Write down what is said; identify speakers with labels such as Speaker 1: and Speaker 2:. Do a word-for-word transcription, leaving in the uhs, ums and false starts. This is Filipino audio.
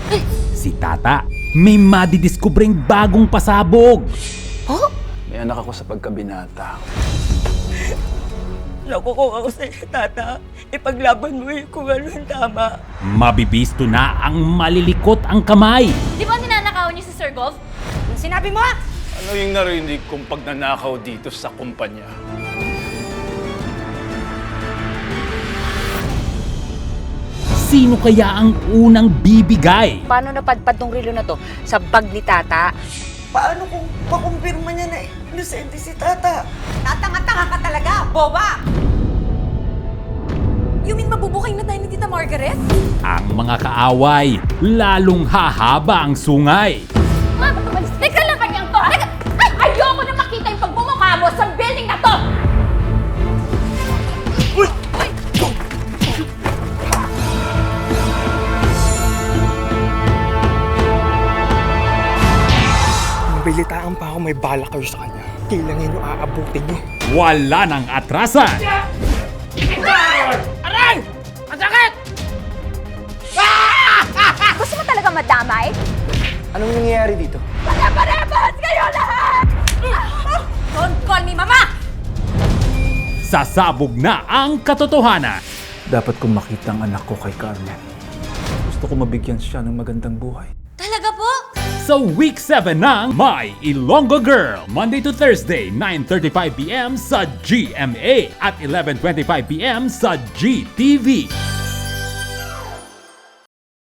Speaker 1: Si Tata may madidiskubreng bagong pasabog.
Speaker 2: Oh?
Speaker 3: May anak ako sa pagkabinata.
Speaker 2: Nakukuha ko sa'yo, Tata. Ipaglaban mo yung kung ano yung tama.
Speaker 1: Mabibisto na ang malilikot ang kamay.
Speaker 4: Di ba ninanakaw niyo si Sir Golf?
Speaker 2: Anong sinabi mo?
Speaker 3: Ano yung narinig kong pagnanakaw dito sa kumpanya?
Speaker 1: Sino kaya ang unang bibigay?
Speaker 5: Paano napadpad tong relo na to sa bag ni Tata?
Speaker 2: Paano kung makumpirma niya na inosente si Tata? Tatanga-tanga ka talaga, boba!
Speaker 4: You mean mabubukay na tayo ni Tita Margaret?
Speaker 1: Ang mga kaaway, lalong hahaba ang sungay.
Speaker 4: Ma'am, teka lang kanyang to! Teka! Ay, ayoko na makita yung pagbumukha mo sa building na to!
Speaker 6: Nabilitaan pa ako may bala kayo sa kanya. Kailangan nyo aabutin nyo.
Speaker 1: Wala nang atrasan.
Speaker 5: Aray! Ang sakit! Gusto mo talaga madamay?
Speaker 6: Anong nangyayari dito?
Speaker 5: Pare-parehas kayo lahat!
Speaker 4: Don't call me mama!
Speaker 1: Sasabog na ang katotohanan.
Speaker 3: Dapat kong makita ang anak ko kay Carmen. Gusto ko mabigyan siya ng magandang buhay.
Speaker 4: Talaga po?
Speaker 1: Sa week seven ng My Ilonggo Girl, Monday to Thursday, nine thirty-five p m sa G M A at eleven twenty-five p m sa G T V.